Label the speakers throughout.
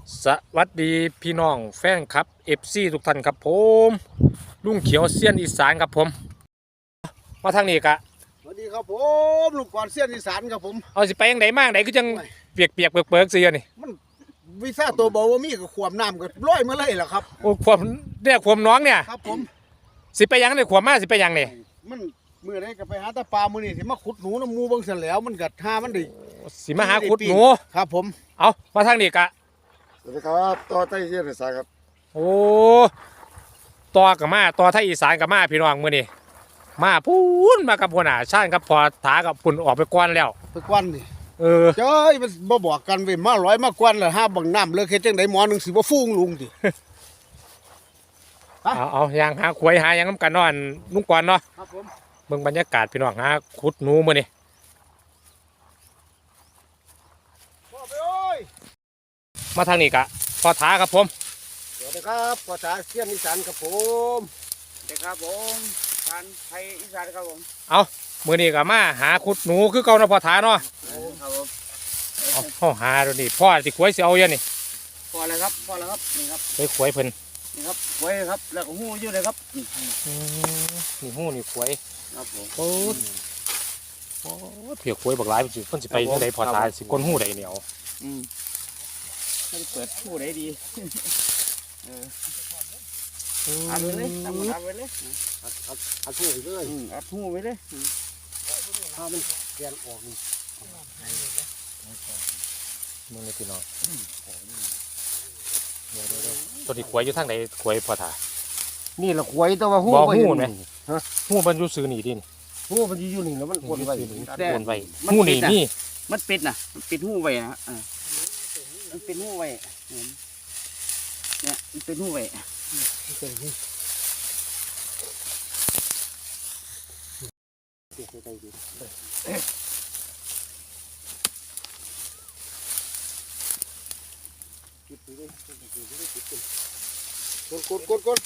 Speaker 1: สวัสดีพี่น้องแฟนครับFC ทุกท่านครับผมลุงเขียวเซียนอีสานครับผมมาทางนี้กะ
Speaker 2: สวัสดีครับผมลูกกวาดเสี้ยนอีสานครับผม
Speaker 1: เอาสิไปยังไงมากไหนก็จังเปียกเปียกเปิกเสียนี่
Speaker 2: มันวีซ่าตัวเบาว่ามีกับขวมน้ำกับร้อยมาเลยแหละครับ
Speaker 1: โอ้ความเนี่ยความน้องเนี่ย
Speaker 2: ครับผม
Speaker 1: สิไปยังเนี่ยความมาสิไปยังเนี่ย
Speaker 2: มันเมื่อไรก็ไปหาตาปลามือนี่สิมาขุดหนูน้ำมูบางเสียแล้วมันกัดท่ามันดิ
Speaker 1: สิมาหาขุดหนู
Speaker 2: ครับผม
Speaker 1: เอามาทางนี้กะ
Speaker 3: สวัสดีครับต่อไต้เสี้ยนอีสานครับ
Speaker 1: โอ้ต่อกับมาต่อไทยอีสานกับมาพี่น้องมื้อนี้มาพูนมากับหัวหน้าชาญกับพอถากับพุ่นออกไปก่อนแล้ว
Speaker 2: ไปกวนนี่
Speaker 1: เจ้
Speaker 2: ยมันบ่บอกกันเว้ยมาร้อยมากวนเลยห้าบังน้ำเลยแค่จังไดหมอหนึ่งสิบ่ฟุ้งลุงดิ
Speaker 1: เอายางหาขวยหายังน้ำกันเนอนลุงก่อนเนาะ
Speaker 2: ครับผม
Speaker 1: เบิ่งบรรยากาศพี่น้องหาขุดหนูมื้อนี้
Speaker 2: พ่อไปโอ้ย
Speaker 1: มาทางนี้กะพอถาครับผม
Speaker 2: สวัสดีครับภาษาเสี้ยนอีสานครับผม
Speaker 4: สวัสดีครับผมทานไทยอีสานครับผม
Speaker 1: เอามื้อนี้ก็มาหาขุดหนูคือเก่าเนาะพอถาเนาะ
Speaker 4: ครับผม
Speaker 1: เอาหาดูนี่พ่อสิขวยสิเอาอยู่นี่
Speaker 4: พอแล้วครับพอแล้วครับนี่ครับ
Speaker 1: ไปขวยเพิ่น
Speaker 4: นี่ครับไว้ครับแล้วก็หู้อยู่เลยครับนี่
Speaker 1: นี่หู้นี่ขวย
Speaker 4: ครับผม
Speaker 1: โอ้โอ้เพียขวยบักหลายเพิ่นสิไปจังไดพอถาสิก้นหู้ใดเหนียว
Speaker 4: อืมให้เปิดหู้ได้ดีอัดไว้เลยทำอัดไว้เลย
Speaker 2: อัดพูดเลย
Speaker 4: อัดหู้ไว้เลย
Speaker 2: ถ้ามันแกนออกนี่
Speaker 1: มึงนี่พี่น้องเดี๋ยวตัวนี้ขวยอยู่ทางไหนขวยพอถา
Speaker 2: นี่ละขวยแต่ว่าหู้
Speaker 1: บ่
Speaker 2: บ่
Speaker 1: หู้
Speaker 2: เห็น
Speaker 1: ไหมหู้มันอยู่ซื่อนี่ดิ
Speaker 2: หู้มันอยู่นี่แล้วมันกวนไว้
Speaker 1: โอนไว้หู้นี่นี่
Speaker 4: มันปิดนะมันปิดหู้ไว้นะมันปิดหู้ไว้เนี่ยมันปิดหู้ไว้
Speaker 2: กด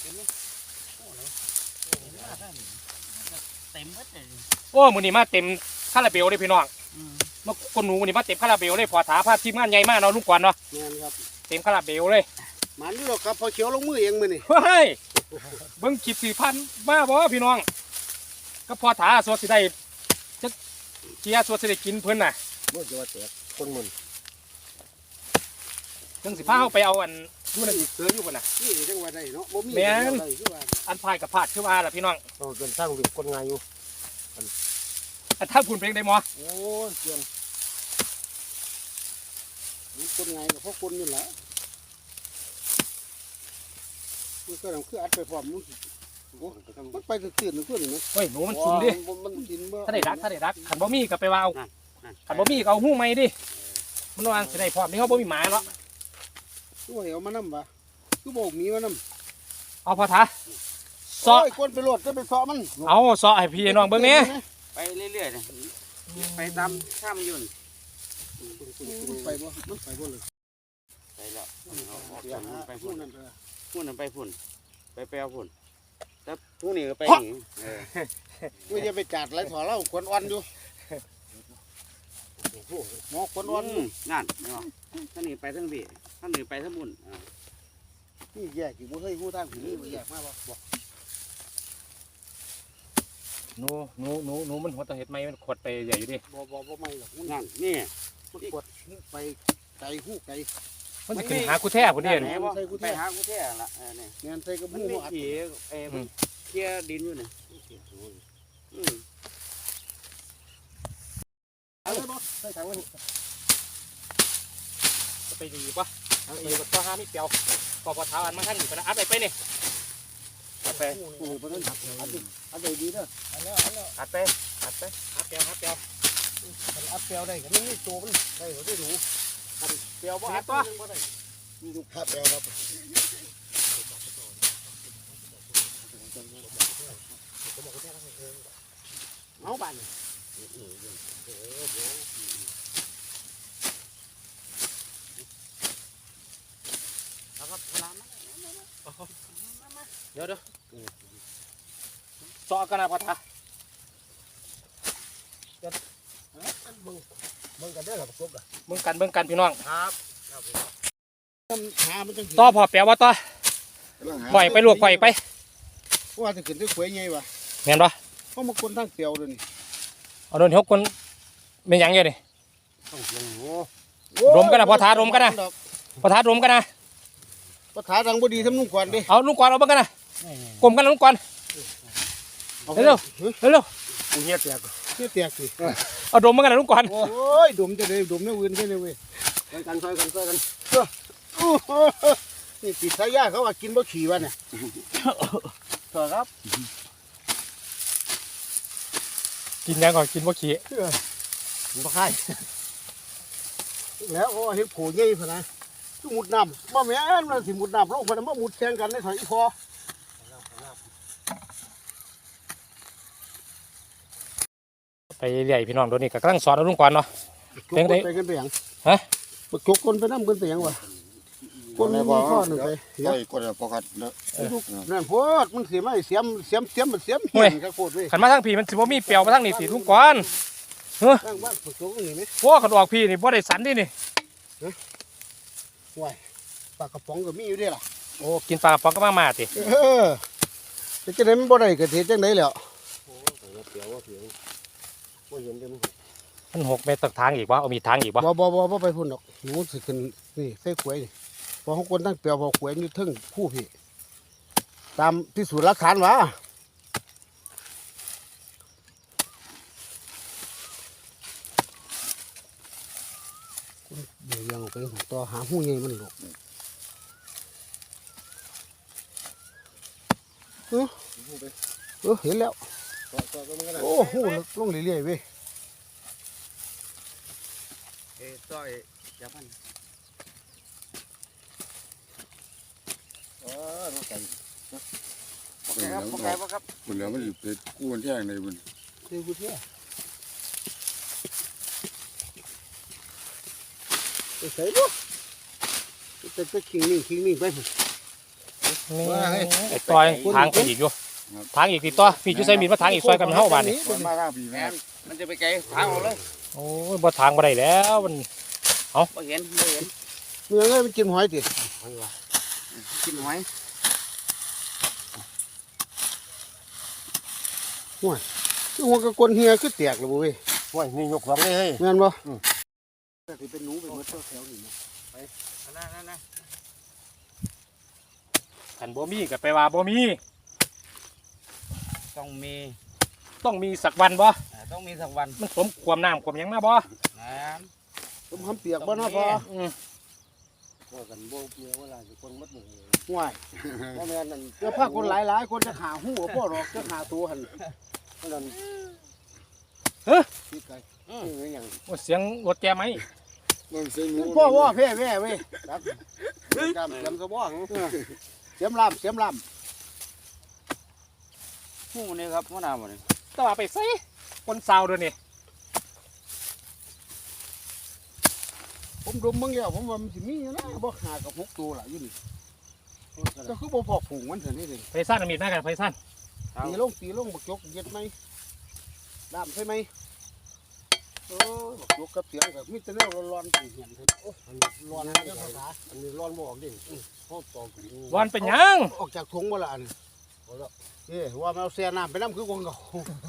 Speaker 4: เต็มหมดเลย
Speaker 1: โอ้มื้อนี้มาเต็มคาราเบลเลยพี่น้องมาคนหนูมื้อนี้มาเต็มคาราเบลเลยพอถาพาทีมงานใหญ่มากเนาะลุงกวนเนาะ
Speaker 2: แม่นครับ
Speaker 1: เต็มคาราเบลเลย
Speaker 2: มันนี่หรอกครับพอเขียวลงมือเองมือนี่
Speaker 1: เฮ้ยเบิ่งคลิป4,000มาบ่พี่น้องก็พอถาสวดสิได้จะเกียร์สวดสิได้กินเพิ่นน่ะ
Speaker 2: มันจะว่าแตกคนมัน
Speaker 1: จังสิพาเฮาไปเอาอันอยู่นั่นอีกเสืออยู่พุ่นน่ะ
Speaker 2: นี่จังว่าได้เนาะบ่มี
Speaker 1: แม่น
Speaker 2: อะไรคือว่า
Speaker 1: อันพายกับพาดคือว่าล่ะพี่น้อง
Speaker 2: เราเกินสร้างเด็กคนง่ายอยู่
Speaker 1: อันถ้าพุ่นเป็นได้หมอ
Speaker 2: โอ้ยเกินมันคนง่ายกับพวกคนนี่แหละมันก็ต้องคืออัดไปพร้อมมันมันไปตื่นๆนึงขึ้นนี่
Speaker 1: เฮ้ยหนูมันซุ่มดิ
Speaker 2: มันกินบ่
Speaker 1: ถ้าได้รักคันบ่มีก็ไปว่าเอาคันบ่มีก็เอาหู้ใหม่ดิมันว่าสิได้พร้อมนี่เฮาบ่มีหมาเนาะ
Speaker 2: ตัวเอามานำบ่คือบ่มีมานำ
Speaker 1: เอาพอถาเซาะ
Speaker 2: โอ้ยคนไปโหลดจะไปเซาะมัน
Speaker 1: เอาเซาะให้พี่น้องเบิ่งแหน่
Speaker 4: ไปเรื่อยๆนะไปตามข้ามยุ่น
Speaker 2: มันไปบ่มันไปบ่เลย
Speaker 4: ไปแล้วไป
Speaker 2: พู
Speaker 4: พุ่
Speaker 2: ด
Speaker 4: น
Speaker 2: นั่นเถอะ
Speaker 4: พุ่นไปพุ่นไปแปลพุ่นแล้วพรุ่งนี้ก็ไปหนี
Speaker 2: กูจะไปจัดไรถอดแล้วคนอ่อนอยู่หมอคนอ่อน
Speaker 4: นั่นเนาะท่านนี้ไปทั้งบีท่านนี้ไปทั้งบุญ
Speaker 2: นี่แยกอยู่บ่เคยฮู้ทางผีนี่แยกมาบ่
Speaker 1: หนูมันหัวตะเฮ็ดใหม่มันขดไปใหญ่อยู่ดิ
Speaker 2: บ่ไม่หรอกมัน
Speaker 4: นั่นนี่
Speaker 2: มันกดไปไกลฮู้ไกล
Speaker 1: มันสิขึ้นหากูแท้พุ่นเด้
Speaker 4: ไหนบ่ไปหากูแท้ละเนี่ย
Speaker 2: งานใส่กับ
Speaker 4: มัน
Speaker 2: ฮู้
Speaker 4: ไม่
Speaker 2: อัด
Speaker 4: ขี่มันเคลียร์ดินอยู่เนี่ย
Speaker 2: อะไรบ่ใส่ถังมัน
Speaker 1: จะไปดีป่ะไปอยู่กับตัวห้ามิเปียวพอถาอันมาทางนี้ปะนะอัดไปนี่อัดไป
Speaker 2: โอ้บ่ทันอัดได้ดีเด้อ
Speaker 1: อัดไปอัดเปียว
Speaker 2: มันอัดเปียวได้ก็นี่ตัวมันได้ก็ได้รู้เปียวบ่อัดบ่ได้มีลูกค้าเปียวครับเอาบ้าน
Speaker 1: เดี๋ยวเซาะกันนะพอถา
Speaker 2: เบิ่งกันเด้อครับประกบอ่ะ
Speaker 1: เบิ่งกันพี่น้อง
Speaker 2: ครับหามันจัง
Speaker 1: ต่อพอแปลว่าต่อ
Speaker 3: ำลังหา
Speaker 1: ปล่อยไปลวกปล่อยไป
Speaker 2: ว่าจะขึ้นได้ขวยไงวะ
Speaker 1: แม่นบ่
Speaker 2: เพราะมันคนทั้งเปรียวเลยนี่
Speaker 1: เอาโดน6คนเป็นหยังอยู่นี่
Speaker 2: โอ้
Speaker 1: รวมกันนะพอท้ารวมกันนะ พอท้ารวมกันนะ
Speaker 2: พอท้าดังบ่ดีทำนุ่งก่อนดิ
Speaker 1: เอาลุงกวนเอาเบิ่งกันนะกลมกันนะลุงกวนเร็วเร็ว
Speaker 2: เฮียแตกเฮียแตกสิ
Speaker 1: เอาดมเบิ่งกันนะลุงกวน
Speaker 2: โอ้ยดมจะได้ดมเนี่ยอื่นแค่นี้เว้ยช่วยกันโอ้โหนี่ติดสายยาเขาว่ากินบ่ขี่วะเนี่ยต่อครับ
Speaker 1: กินยังก่อนกินบ่ขี้
Speaker 2: บ่ใครแล้วโอ้เห็นโผล่ใหญ่พะนะคือมุดน้ำบ่แม่นมันสิมุดน้ำลงพะนะบ่มุดแข่งกันในถอยอีพอ
Speaker 1: ไปเรื่อยพี่น้องโดนนี่ก็กำลังสอนเอาลุงกวนเนาะ
Speaker 2: ไปกันไปหยัง
Speaker 1: ฮะ
Speaker 2: บักจกคนไปนำกันไปหยังวะคนมีข้อหนึ่งไป
Speaker 3: ปล่อยกดปกัดเนาะ
Speaker 2: นั่นโพดมันเสียไม่เสียมเหี้ยนกับโพดเว้ย
Speaker 1: ขันมาทางพี่มันสิบ่มีเปรียวมาทางนี่สิลุงกวน
Speaker 2: ตั้งบ้านบักจกนี่ไหม
Speaker 1: โอ้ขันออกพี่นี่บ่ได้สันดินี่
Speaker 2: ว้ายปลากระป๋องก็มีอยู่ด้วยล่ะ
Speaker 1: โอ้กินปลากระป๋องก็มาติ
Speaker 2: จะจังได๋มันบ่ได้ก็เฮ็ดจังได๋แล้ว
Speaker 1: มัน6 เมตรตักทางอีกบ่เอามีทางอีกบ่
Speaker 2: บ่ไปพุ่นดอกหนูสิขึ้นนี่ใส่ขวยนี่พอเฮาคนตั้งเปียวพอขวยอยู่เทึงผู้พี่ตามพิสูจน์หลักฐานว่าเดี๋ยวยังไปต่อหาหูใหญ่มันหรอกเห็นแล้วโอ้โหลงเรื่อยๆเว้ย
Speaker 4: ต้อยจับมัน
Speaker 3: บุญเหลืองบุญเหลืองมันอยู่เป็นกู้มันแท่งในบุญ
Speaker 2: เดี๋ยวกูเที่ยไปใส่ลูกไปขิงนิ่งไป
Speaker 1: นี่ไอ้ต่อยทางไปอีกอยู่ทางอีกติดต่อพี่จุใส่มีดมาทางอีกซอยกันเฮาบ้านนี่
Speaker 3: มันมาข้างปีแม่
Speaker 4: มันจะไปไกลทางออกเลย
Speaker 1: โอ้ยบ่ทางบ่ได้แล้วมัน
Speaker 4: บ่เห็น
Speaker 2: เมื่อไงมันกินหอยติ
Speaker 4: กินหอย
Speaker 2: คือหัวกระกลเฮียคือแตกเลยบ่เว้ย
Speaker 3: ว้ยนี่ยกสองเลยเฮ้ย
Speaker 2: แม่นบ่แต่ที่เป็นหนูไปหมดแถวนี้นะ
Speaker 4: นั่น
Speaker 1: คันบ่มีก็ไปว่าบ่มี
Speaker 4: ต้องมี
Speaker 1: ต้องมีสักวันบ่
Speaker 4: ต้องมีสักวัน
Speaker 1: มันสมความน้ำความหยังมาบ่
Speaker 4: น้
Speaker 2: ผมคำเปียกบ่เนาะพอ
Speaker 1: อืม
Speaker 3: ว่ากันโบกเมียเวลาสิคนมัดหมู่
Speaker 2: ห่วย
Speaker 3: ว่าแม่นั่น
Speaker 2: เดี๋ยวพาคนหลายคนจะหาหู้พ่อหรอกจะหาตัวหั่น
Speaker 3: นั่น
Speaker 2: พี่ไก่
Speaker 3: นี่อย่าง
Speaker 1: โอ้เสียงรถแกไหม
Speaker 3: มันเสียงงู
Speaker 2: พ่อว่าแพ้เว้ยครับจำเสียมสะบ้องเสียมลำ
Speaker 4: ำหูนี่ครับหัวหน้าบ่นี่
Speaker 1: แต่ว่าไปใส่คนซาวเด้อนี่
Speaker 2: ผมดมมึงแล้วผมว่ามันสิมีอยู่นะบ่หากับ6ตัวล่ะอยู่นี่ก็คือบ่พอผูกมันเท่านี้เด้
Speaker 1: ไปซ่านเอามีดมากันไปซ่าน
Speaker 2: ตีลงบักจกเย็ดไหมดามใช่ไหมบักจกกับเสียงแบบมีแต่แนวร้อนๆเหี่ยนๆโอ้ร้อนนะภาษาอันนี้ร้อนบ่ออกดิพ่อตอก
Speaker 1: วันเป็นหยัง
Speaker 2: ออกจากถุงบ่ล่ะอันว่ามันเอาแซ่น้ำไปน้ำคือคนเก่า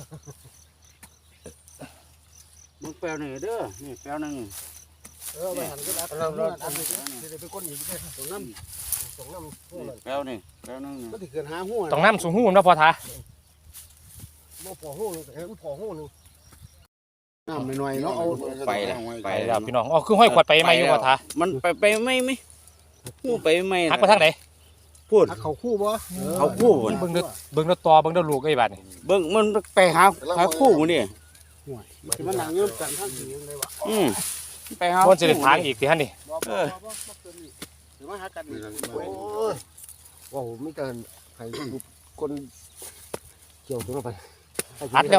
Speaker 4: มึงแปลวหนึ่งเด้อนี่แปลวหนึ่ง
Speaker 2: ไปหันก็อัดอันนี้จะเป็นคนอีกตรงน้ำ
Speaker 4: แปลวนี่แปลวหนึ่ง
Speaker 2: ก็ที่เกิดหาหัว
Speaker 1: ต้องน้ำสูงหูมันบ่พอทา
Speaker 2: บ่พอหัวนึงแต่มันพอหัวนึงน้ำหน่อยเนาะเอา
Speaker 4: ไปแล้ว
Speaker 1: ไปแล้วพี่น้องอ๋อคือห้อยขวดไปไหมอยู่พอทา
Speaker 4: มันไปไม่หูไปไม่
Speaker 1: หักไปทางไหน
Speaker 4: พูด
Speaker 2: เขาคู่บ่
Speaker 4: เขาคู่บ่
Speaker 1: เบิ่งเด้อเบิ่งเด้อตอเบิ่งเด้อลูกไอ้บาดนี่
Speaker 4: เบิ่งมันไปหาคู่บ่นี่
Speaker 2: ห่วยมันนั่งเงื่อนกันทั้งสี่ยังไงวะ
Speaker 4: ไปหา
Speaker 1: มันสิได้ทางอีกสิหั่นนี่
Speaker 2: บ่หรือว่าหากันโอ้ย
Speaker 3: ว้าวไม่เกินใครคนเกี่ยวตรงนั้นไป
Speaker 1: อัดแล้ว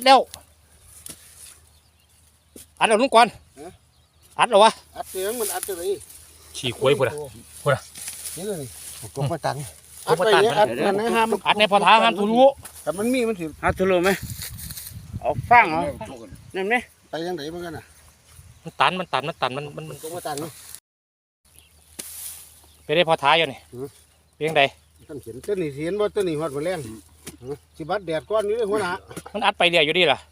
Speaker 1: ลุงกวนอัดแล้ววะ
Speaker 2: อัดเสียงมันอัดจะไหน
Speaker 1: ฉี่ควยพุ่นน่ะ
Speaker 2: นี่เลย
Speaker 3: ตรงไปตัน
Speaker 2: อัดไปเนี่ยอัดมันให้ห้าม
Speaker 1: อัดในพอทาห้ามทุรู้
Speaker 2: แต่มันมีมันสิ
Speaker 4: หาทุลุไหมเอาฟังเหรอนั่นไหม
Speaker 2: ไปยังไหนเหมือนกันน่ะ
Speaker 1: มันตันมัน
Speaker 2: ตรงมาตัน
Speaker 1: ได้พอท้ายอยู่นี่เพียงใด
Speaker 2: ต้นเขียนต้นนี่เขียนว่าต้นนี่ฮอดมาแรงสิบัดแดดก้อนนี้เลยหัวหน้า
Speaker 1: มันอัดไปเรื่อยอยู่ดีล่ะ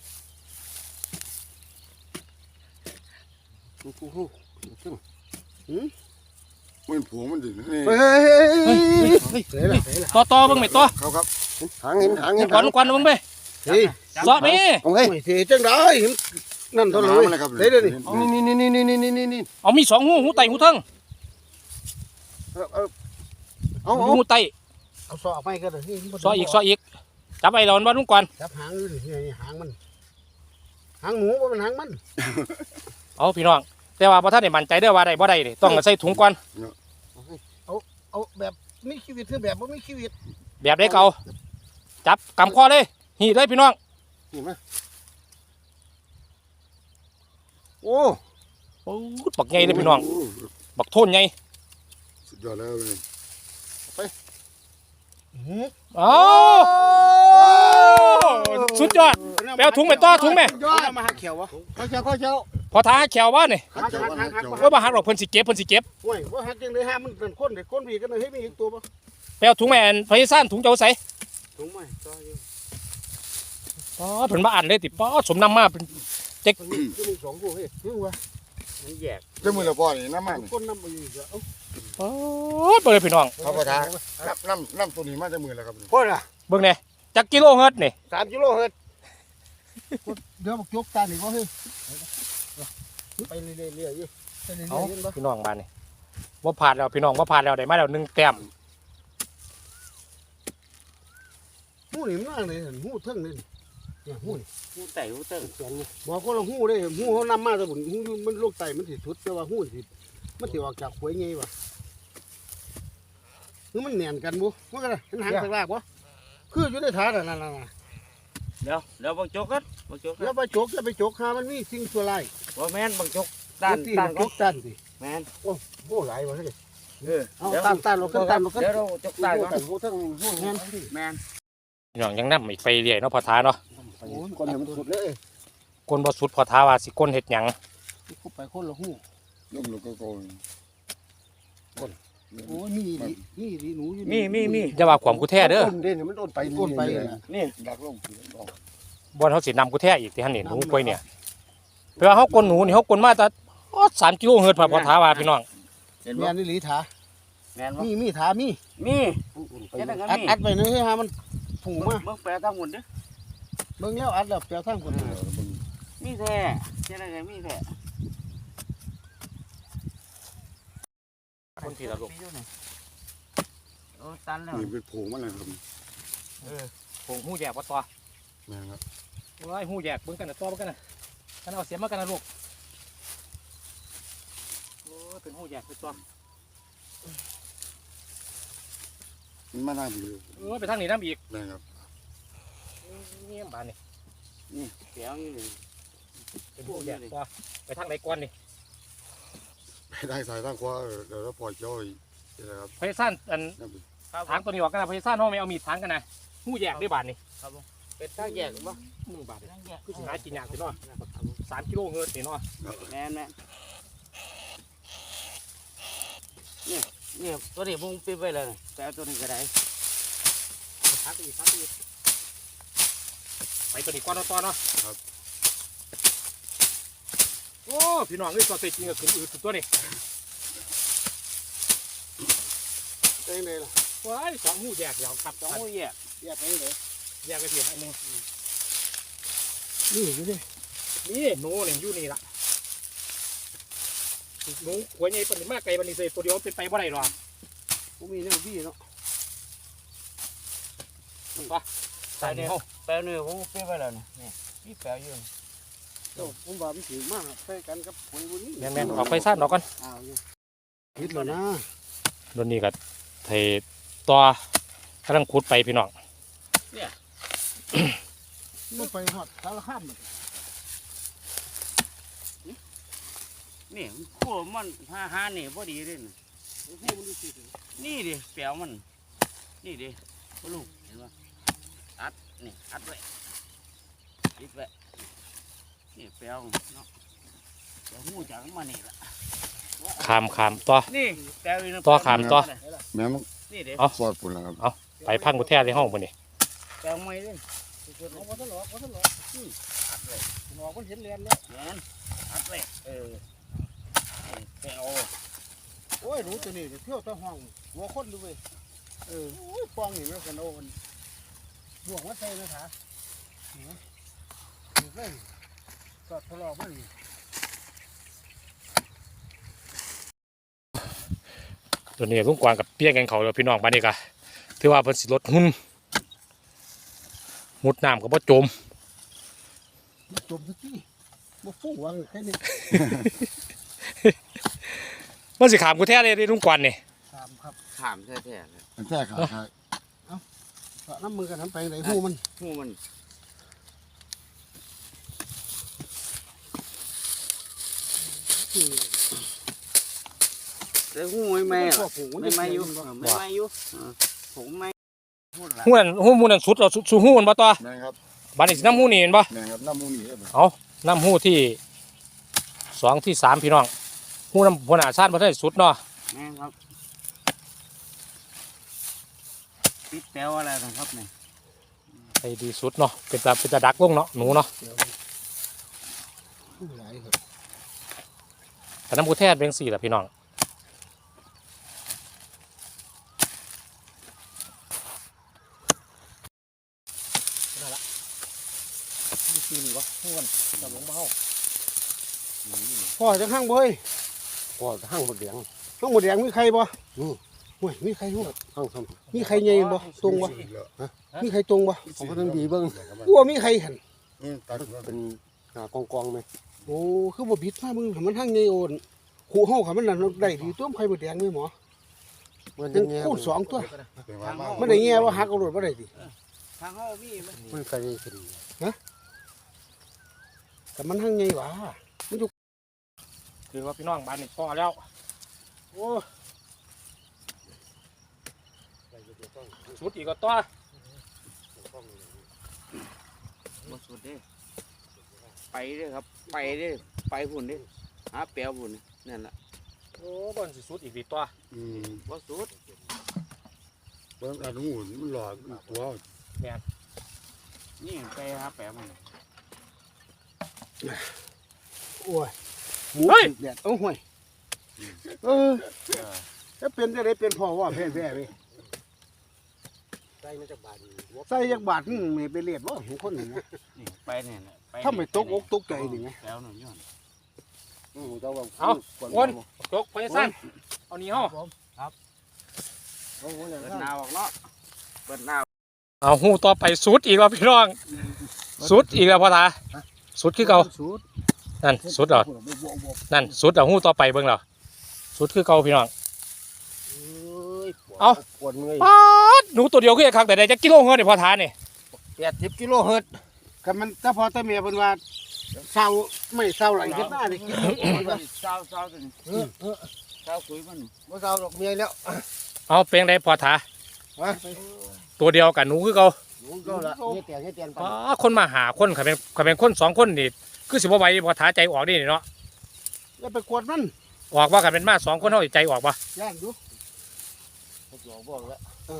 Speaker 3: มันผัวมันดินี่
Speaker 2: เฮ้ย
Speaker 1: เฮ้ยเฮ้ย
Speaker 2: เฮ้ยเฮ้ย
Speaker 1: ต่อเบิ่งไหมต่อ
Speaker 3: ครับหางเห็นหางเห็น
Speaker 1: ก่อนก่อนเบิ่งไป
Speaker 2: เฮ้ย
Speaker 1: สอบไป
Speaker 3: โอเค
Speaker 2: เฮ้ยจังได้นั่นเท่าไหร่เฮ้ยเดี๋ยวนี้
Speaker 3: นี่
Speaker 1: เอามี2หูไตหูเทิง
Speaker 3: เอา
Speaker 1: หูไต
Speaker 2: เอาซอไปก็ได้
Speaker 1: ซออีกจับไอ้เราบ่ลุงก่อน
Speaker 2: จับหางอยู่นี่หางมันหางหมูว่ามันหางมัน
Speaker 1: เอาพี่น้องแต่ว่าบ่ทันได้มั่นใจเด้อว่าได้บ่ได้นี่ต้องใส่ถุงก่อน
Speaker 2: เอาแบบมีชีวิตคือแบบว่ามีชีวิต
Speaker 1: แบบได้เก่าจับกำคอเลยหีดเลยพี่น้อง
Speaker 3: นี่มาโอ้
Speaker 1: ปูดบักใหญ่เลยพี่น้องบักโทนใหญ่
Speaker 3: สุดยอดแล้วนี่
Speaker 1: อ้สุดยอดไปเอาถุงไปต่อถุงแม่
Speaker 2: ยอดมาหักเขียววะ
Speaker 3: ข้าวเช้า
Speaker 1: พอท้าแขวว่านี่
Speaker 2: หัก
Speaker 1: ว่าบ่หักหรอกเพิ่นสิเก็บ
Speaker 2: โอ้ยว่าหักจังเลยห้ามันเป็นคนเด็กคนผีกันเลยให้มีอีกตัวปะ
Speaker 1: ไปเอาถุงแม่นพยาซ่านถุงเจ้าใส่
Speaker 2: ถุงไหมต่ออยู่
Speaker 1: อ๋อเพิ่นมาอ่านเลยติป้อสมนำมาเป็น
Speaker 2: มีสองตัวเฮ้ยนี่วะ
Speaker 4: มันแยก
Speaker 3: เจ้ามือละพ่อนี่น้ำมัน
Speaker 2: คนน้ำไปอยู่เยอะ
Speaker 1: อ๋อเบิ่งเลยพี่น้อง
Speaker 3: ข้าวปลาน้ำตัวนี้มาเจ้ามือแล้วครับ
Speaker 2: พ่อน่ะ
Speaker 1: เบิ่งแน่จักกิโลเฮิรตซ์นี่
Speaker 2: 3 กิโลเฮิรตซ์เดี๋ยวบอกยกตาหนิวะเฮ้ยไปเรื่อยๆอยู่ไปเรื่
Speaker 1: เอา
Speaker 2: อยๆเห็นปะ
Speaker 1: พี่น้องบ้านนี่บ่ผ่านแล้วพี่น้องบ่ผ่านแล้วได้มาแล้ว1แต้ม
Speaker 2: หูนี่มันอะไรหูเทิงนี่เนี่ยหูนี่
Speaker 4: หูไตหูเติ้ง
Speaker 2: บอกคนละหูได้หูเขานำมาแต่บุญหูมันลูกไตมันสิชุดแต่ว่าหูสิมันสิออกจากหวยไงวะคือมันแน่นกันบุว่ากันมันหางตะลากวะคืออยู่ในถาดนั่น
Speaker 4: เดี๋ยวบังจกกันบังจก
Speaker 2: แล้วไปจกแล้วไปจกหามันมีสิ่งชั่วร้าย
Speaker 4: บ่แม่นบังจกด้าน
Speaker 2: ที่
Speaker 4: ด้าน
Speaker 2: จกตันสิ
Speaker 4: แม่น
Speaker 2: โอ้หลายวะเฮ้ย เอา
Speaker 4: เดี๋ยว
Speaker 2: ตันลงขึ้นตันลงขึ้น
Speaker 4: เดี๋ยวเราจกด้านก่อน
Speaker 3: หูทั้งหู
Speaker 2: แม่น
Speaker 4: แม่น
Speaker 1: พี่น้องยังนำอีกไปเรื่อยเนาะพอท้าเนาะ
Speaker 3: คนเนี่ยมันสุดเลย
Speaker 1: คนบ่สุดพอท้าว่าสิก้นเฮ็ดหยัง
Speaker 2: เข้าไปคนละหู
Speaker 3: ลูกก็โกน
Speaker 2: โอ้ยมีดีหนูอยู่
Speaker 4: มี
Speaker 1: อย่าว่าความกูแท้เด้อ
Speaker 3: ต้นเด่นมันต้นไป
Speaker 4: นี่
Speaker 3: ดักลง
Speaker 1: บ่เฮาสินำกูแท้อีกที่หั่นนี่หนูกล้วยเนี่ยเพื่อเฮากลหนูนี่เฮากลมาแต่3กิโลเฮิรตซ์พอท้าว่าพี่น้อง
Speaker 4: เห็นบ่
Speaker 2: แม่นนี่หลีถา
Speaker 4: แม่นบ่
Speaker 2: มีถามี
Speaker 4: มีเฮ็ดจัง
Speaker 2: อัด
Speaker 4: มี
Speaker 2: อัดไปนี่ให้หามันผูมา
Speaker 4: เบิ่งแปลทางหุ่นเด้อ
Speaker 2: เบิ่งแล้วอัดแล้วแปลทางคน
Speaker 4: มีแท้เฮ็ดจังมีแท้
Speaker 1: คนที่ละลูก
Speaker 4: โอ้ตันแล้ว
Speaker 3: นี่เป็นผงมันเลยครับ
Speaker 1: ผงหูแยกบ่ต่อ
Speaker 3: แม่ครับ
Speaker 1: ว้ายหูแยกเบิ่งกันน่ะต่อเบิ่งกันน่ะกันเอาเสียมมากันนะลูกโอ้ยเป็นหูแยกเป็นตัว
Speaker 3: มันมาได้ดีเลย
Speaker 1: ไปทางนี้น้ำอีก
Speaker 3: แม่ครับ
Speaker 1: นี่บ้านนี่
Speaker 4: นี่แปลวนี่นี่
Speaker 1: เป็นหูแยกตัวไปทางไหนก่อนนี่
Speaker 3: ไปได้สายทางขวาเดี๋ยวเราปล่อยจ้อยนะครับ
Speaker 1: พยาซ่านอัน
Speaker 3: นั่นเป็น
Speaker 1: ทางตัวนี้ออกกันนะพยาซ่านห้องไม่เอามีดทางกันนะหูแยกด้วยบ้านนี่
Speaker 4: เป็นทางแยกบ่
Speaker 1: มือบาทนี่
Speaker 4: ทางแยก
Speaker 1: คือสิหากินยากสิเนาะ3กิโลเฮิรตซ์นี่เนาะ
Speaker 4: แม่นนี่ตัวนี้ผมปิดไว้แล้วแต่ตัวนี้ก็ได้
Speaker 1: ทางไปอีกไปตัวนี้ก่อนต่อเนาะโอ้พี่น้องนี่ตัวเต็จริงก็ขึ้นอืดสุดตัวนี่
Speaker 2: ไปไหนล่ะ
Speaker 1: ว้ายสองหูแยกยาวครับ
Speaker 4: ต้องหูแยก
Speaker 2: แยกไปไหน
Speaker 1: แยกไปเพียงอันหนึง
Speaker 2: นี่อยู่ดิ
Speaker 1: นี่หนูเนี่ยอยู่นี่ล่ะหนูหัวใหญ่ปานนี้มากไกลปานนี้เสยตัวเดียวเป็นไปบ่ได้หรอก
Speaker 2: ผมมีแนวบี้เนาะ
Speaker 1: ใส่เนี่ย
Speaker 4: แปลวนี่ผมปิดไว้แล้วนี่มีแปลวอยู่
Speaker 2: ผมว่ามันถือมากใส่กันกับหวยบุนี้
Speaker 1: แม่นๆออกไปซ่านออกก่อน
Speaker 2: อ้าวอยู่คิดแล้วนะ
Speaker 1: โดนนี่ก็เทต่อกำลังขุดไปพี่น้อง
Speaker 2: มันไปหอดสารข้ามมัน
Speaker 4: นี่ขั้วมันหานี่พอดีเลย นี่ดิแปลวมัน นี่ดิพ่อลูกเห็นป่ะอัดนี่อัดไว้ติดไว้นี่แปลวเนาะแปลวหูจากมันนี่ละ
Speaker 1: ขามต่อ
Speaker 4: นี่แปลวอยู่
Speaker 1: ต่อขามต่อ
Speaker 3: แม่น
Speaker 4: นี่เด้
Speaker 1: เอา
Speaker 3: ซอดปุ่นแล้วครับ
Speaker 1: ไปพังกุแท้ในห้องบ่นี่
Speaker 4: แปลวไม่เลย
Speaker 2: เอาบ่ทันหรอกบ่ทันหรอกหนอกมันเห็นเรียนแล้ว
Speaker 4: แม่นอัดเลยแปลว
Speaker 2: โอ้ยหนูตัวนี้เที่ยวตะห้องหัวคนดูเว้ยโอ้ยปองนี่มันกันโอ้มันบวกมาใส่นะขานี่เลยก็ทะเลาะมัน
Speaker 1: ตัวนี้ลุงกวางกับเปี้ยกันเขาแล้วพี่น้องบ้านนี้ก็ถือว่าเพิ่นสิลดหุ่นมุดน้ำก็บ่จม
Speaker 2: มันจมสักทีบ่ฟู่วางแค่นี้
Speaker 1: มันสิขามกุแท้เลยลุงกวางนี่
Speaker 2: ตามครับ
Speaker 4: ขามแท้ๆเลย
Speaker 3: มันแท้ขาดครับ
Speaker 2: ก็น้ำมือกันน้ำไปไหนหูมัน
Speaker 4: หูมัน
Speaker 2: คือ
Speaker 4: แต่หูไม่
Speaker 2: พวกหู
Speaker 4: ไม่ไม่อยู่ไม่ไม่อยู่ผมไม่พูดละ
Speaker 1: หูมูนั่นสุดเราสู่หูมันบ่ต่อ
Speaker 3: แม่นครับ
Speaker 1: บ้านนี้สิน้ำหูนี่เห็นบ่
Speaker 3: แม่นครับน้ำมูนี่ครับ
Speaker 1: เอาน้ำหูที่2ที่3พี่น้องหูน้ำพนาชาติบ่ได้สุดเนาะ
Speaker 4: แม่ครับติดแปลวอะไรนะครับเนี่ย
Speaker 1: ให้ดีสุดเนาะเป็นตาดักลงเนาะหนูเนาะ
Speaker 2: หลายครับ
Speaker 1: แต่น้ำกุแท้เป็น4ล่ะพี่น้อง
Speaker 2: มีซีนี่วะหูมันจับลงมาเฮาพ่อจะข้างบ่เฮ้ย
Speaker 3: พ่อห้างบักแดง
Speaker 2: ข้างหมดแดงมีใครบ่ห่วยมีใครหู
Speaker 3: ห้างซ้
Speaker 2: มีใครใหญ่บ่ตรงบ่มีใครตรงบ่
Speaker 3: ำผมก็ต้องดีเบิ่ง
Speaker 2: กูว่ามีใครหัน
Speaker 3: ตัดเป็นหากองๆไหม
Speaker 2: โอ้คือบ่บิดมามึงให้มันทางใหญ่โอนขู่เฮาค่ะมันนั่นได้ดีตัวมันใครบ่แดงเลยหมอ
Speaker 3: มัน
Speaker 2: ยั
Speaker 3: ยัง งไง
Speaker 2: คูณ2ตัว
Speaker 3: เป็นว่ามา
Speaker 2: มันได้แง่ว่าหักเอารถบ่ได้ติ
Speaker 4: ทางห้องมีไหม
Speaker 3: มันเคยขึ้น
Speaker 2: แต่มันทางใหญ่หว่า
Speaker 1: คือว่าพี่น้องบ้านนี้พอแล้วโอ้สุดอีกก็ต่อ
Speaker 4: บ่สุดเด้ไปเด้อครับไปเด้อไปพุ่นเด้อหาแปลวพุ่นนั่นแหละ
Speaker 1: โอ้บอนสิสุดอีกดีต่อ
Speaker 4: บ่สุด
Speaker 3: เบิ่งอันหูมันหลอกตัว
Speaker 4: นี่ไปหาแปลวมัน
Speaker 2: โอ้ยหมูแดดเอาห่วยถ้าเป็นจะได้เป็นพ่อว่าแพ้ๆเว้ย
Speaker 3: ใส่มาจากบ้าน
Speaker 2: ใส่จักบาทนึงไม่ไปเลียดบ่เห็นคนนี่นะ
Speaker 4: นี่ไปเนี่ยแหละไป
Speaker 2: ถ้าไม่ตกอกตกใจนี่ไง
Speaker 4: แปลวหน่อยย้อน
Speaker 3: เจ้าว่า
Speaker 1: จกไปสั้นเอานี่ห้อ
Speaker 4: เปิดหน้าออกเนาะเปิดหน้า
Speaker 1: เอาหูต่อไปสุดอีกแล้วพี่น้องสุดอีกแล้วพ่อตาสุดคือเก่า
Speaker 2: สูตร
Speaker 1: นั่นสุดเหรอนั่นสุดเอาหูต่อไปเบิ่งเหรอสุดคือเก่าพี่น้อง เอา
Speaker 3: ปวดเมื่อย
Speaker 1: ป๊าดหนูตัวเดียวคือไอ้คักแต่ได้จักกิโลเงินนี่พ่อทานี่
Speaker 3: 80กิโลเฮิรตซ์
Speaker 2: ก็มันถ้าพอตาเมียเพิ่นว่าเศร้าไม่เศร้าหลายเฮ็ดหน้านี่กิน
Speaker 4: เศร้าตัวนี้เศร้าคุยมัน
Speaker 3: บ่เศร้าดอกเมียแล้ว
Speaker 1: เอาเป็นไงพ่อทา
Speaker 2: ฮะ
Speaker 1: ตัวเดียวกับหนูคือเก่า
Speaker 3: หนูก็ละเฮ็ดแต่ไป
Speaker 1: ป๊าดคนมาหาคนเขาเป็นคน2คนนี่คือสิบ่ไหวพ่อทาใจออกนี่เนาะ
Speaker 2: อย่าไปกวดมัน
Speaker 1: ออกว่ากันเป็นมา2คนเฮาสิใจออกบ่
Speaker 2: ย่านดู
Speaker 3: บอกแล้ว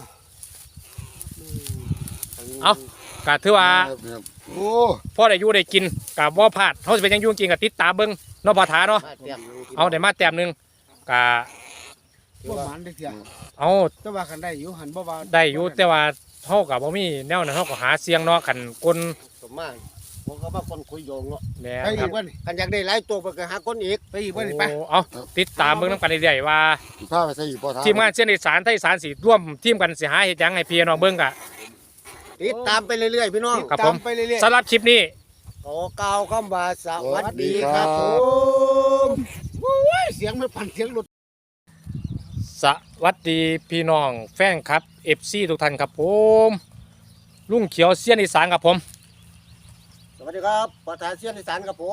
Speaker 1: ก็ถือว่า
Speaker 3: โอ้
Speaker 1: พ่อได้อยู่ได้กินกับบ่พลาดเขาจะเป็นหยังอยุ่งกินกับติดตามเบิ้งเนาะพ่อถาเนาะ
Speaker 3: มาเตรียม
Speaker 1: เอาได้มาแต้มหนึงกะ
Speaker 2: บ่หมานได้เถีย
Speaker 1: เอา
Speaker 2: แต่ว่ากันได้อยู่หันบ่ว่า
Speaker 1: ได้อยู่แต่ว่าเฮากับบ่มีแนวนั้นเฮาก็หาเสียงเนาะกันคน
Speaker 3: สมมาผมก็มาคนคุยโยงเนาะ
Speaker 1: แหม่
Speaker 2: ไป
Speaker 1: ค
Speaker 2: อี
Speaker 1: รับ
Speaker 2: กว่านี่
Speaker 3: กันอยากได้หลายตัวไปก็หาคนอีก
Speaker 2: ไปอีกว่านี่ไป
Speaker 1: โอ้เอาติดตามเบิ่งนำกันเรื่อยๆว่า
Speaker 3: พาไปใส่อยู่พ่อท้า
Speaker 1: ทีมงานเส้นอีสานไทยอีสานสิร่วมทีมกันสิหาเฮ็ดหยังให้พี่น้องเบิ่งกะ
Speaker 3: ติดตามไปเรื่อยๆพี่น้อง
Speaker 1: ครับ
Speaker 2: ตามไปเรื่อย
Speaker 1: สำหรับคลิปนี้
Speaker 3: ขอกล่าวคำว่าส
Speaker 2: ๆ
Speaker 3: วัสดีครับ
Speaker 2: ผมโอ้ยเสียงไม่ปั่นเสียงรถ
Speaker 1: สวัสดีพี่น้องแฟนครับ FC ทุกท่านครับผมลุงเขียวเสี้ยนอีสานครับผม
Speaker 3: สวัสดีครับปอทาเซียนอีสานครับผม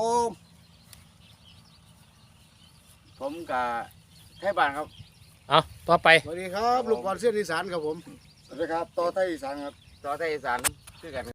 Speaker 4: ผมกับไทยบ้านครับ
Speaker 1: เอาต่อไป
Speaker 2: สวัสดีครับลูกบอลเส้นอีสานครับผม
Speaker 3: สวัสดีครับต่อไทยอีสานครับ
Speaker 4: ต่อไทยอีสานคือกัน